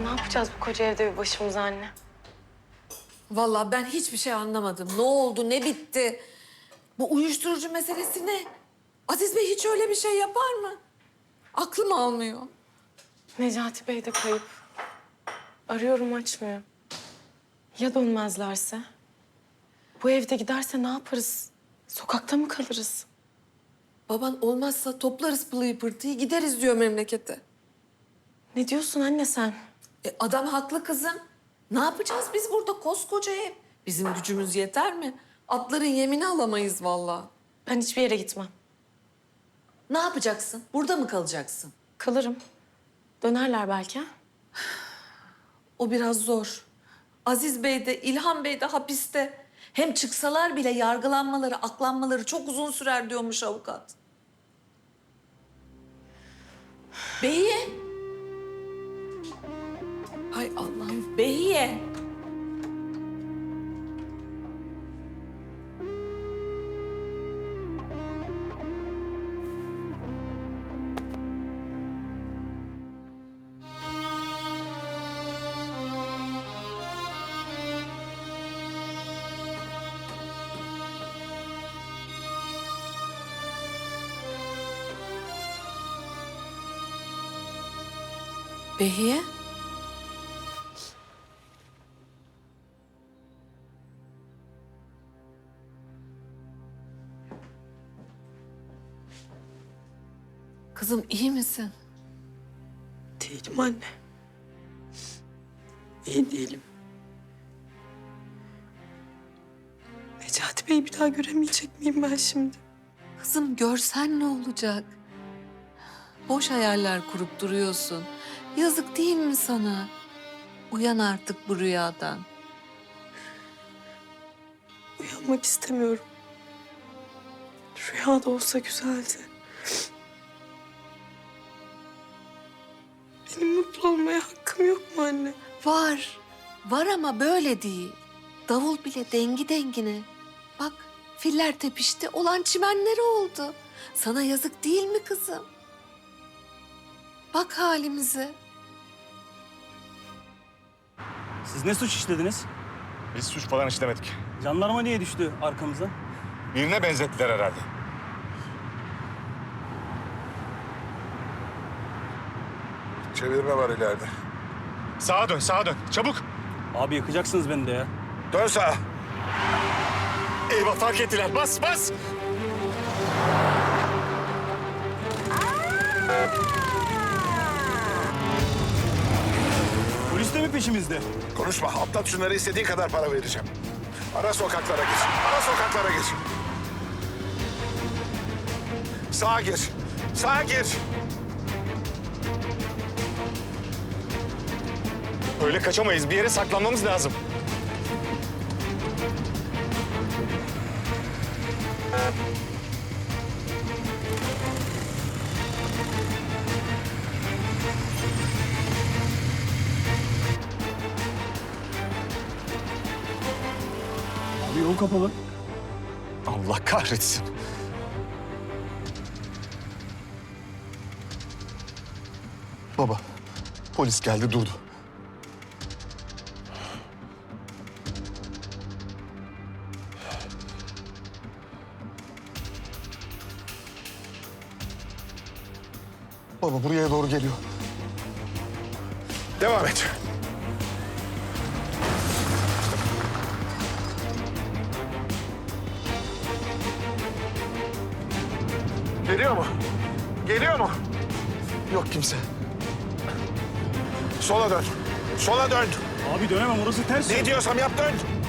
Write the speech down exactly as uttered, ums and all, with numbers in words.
Ne yapacağız bu koca evde bir başımıza anne? Vallahi ben hiçbir şey anlamadım. Ne oldu, ne bitti? Bu uyuşturucu meselesi ne? Aziz Bey hiç öyle bir şey yapar mı? Aklım almıyor. Necati Bey de kayıp. Arıyorum açmıyor. Ya dönmezlerse? Bu evde giderse ne yaparız? Sokakta mı kalırız? Baban olmazsa toplarız pılıyı pırtıyı gideriz diyor memlekete. Ne diyorsun anne sen? E, adam haklı kızım. Ne yapacağız biz burada koskoca ev? Bizim gücümüz yeter mi? Atların yemini alamayız vallahi. Ben hiçbir yere gitmem. Ne yapacaksın? Burada mı kalacaksın? Kalırım. Dönerler belki ha? O biraz zor. Aziz Bey de İlhan Bey de hapiste. Hem çıksalar bile yargılanmaları, aklanmaları çok uzun sürer diyormuş avukat. Behiye. Hay Allah'ım, Behiye. Behiye? Kızım iyi misin? Değilim anne. İyi değilim. Necati Bey'i bir daha göremeyecek miyim ben şimdi? Kızım görsen ne olacak? Boş hayaller kurup duruyorsun. Yazık değil mi sana? Uyan artık bu rüyadan. Uyanmak istemiyorum. Rüya da olsa güzeldi. Benim mutlu olmaya hakkım yok mu anne? Var. Var ama böyle değil. Davul bile dengi dengine. Bak filler tepişti, olan çimenleri oldu. Sana yazık değil mi kızım? Bak halimize. Siz ne suç işlediniz? Biz suç falan işlemedik. Jandarma niye düştü arkamıza? Birine benzettiler herhalde. Çevirme var ileride. Sağa dön, sağa dön. Çabuk. Abi yakacaksınız beni de ya. Dön sağa. Eyvah fark ettiler. Bas, bas. Polis de mi peşimizde? Konuşma. Atlat şunları, istediğin kadar para vereceğim. Ara sokaklara gir. Ara sokaklara gir. Sağa gir. Sağa gir. Öyle kaçamayız. Bir yere saklanmamız lazım. Abi yol kapalı. Allah kahretsin. Baba, polis geldi durdu. Baba buraya doğru geliyor. Devam et. Geliyor mu? Geliyor mu? Yok kimse. Sola dön. Sola dön. Abi dönemem, orası ters. Ne diyorsam yap, dön.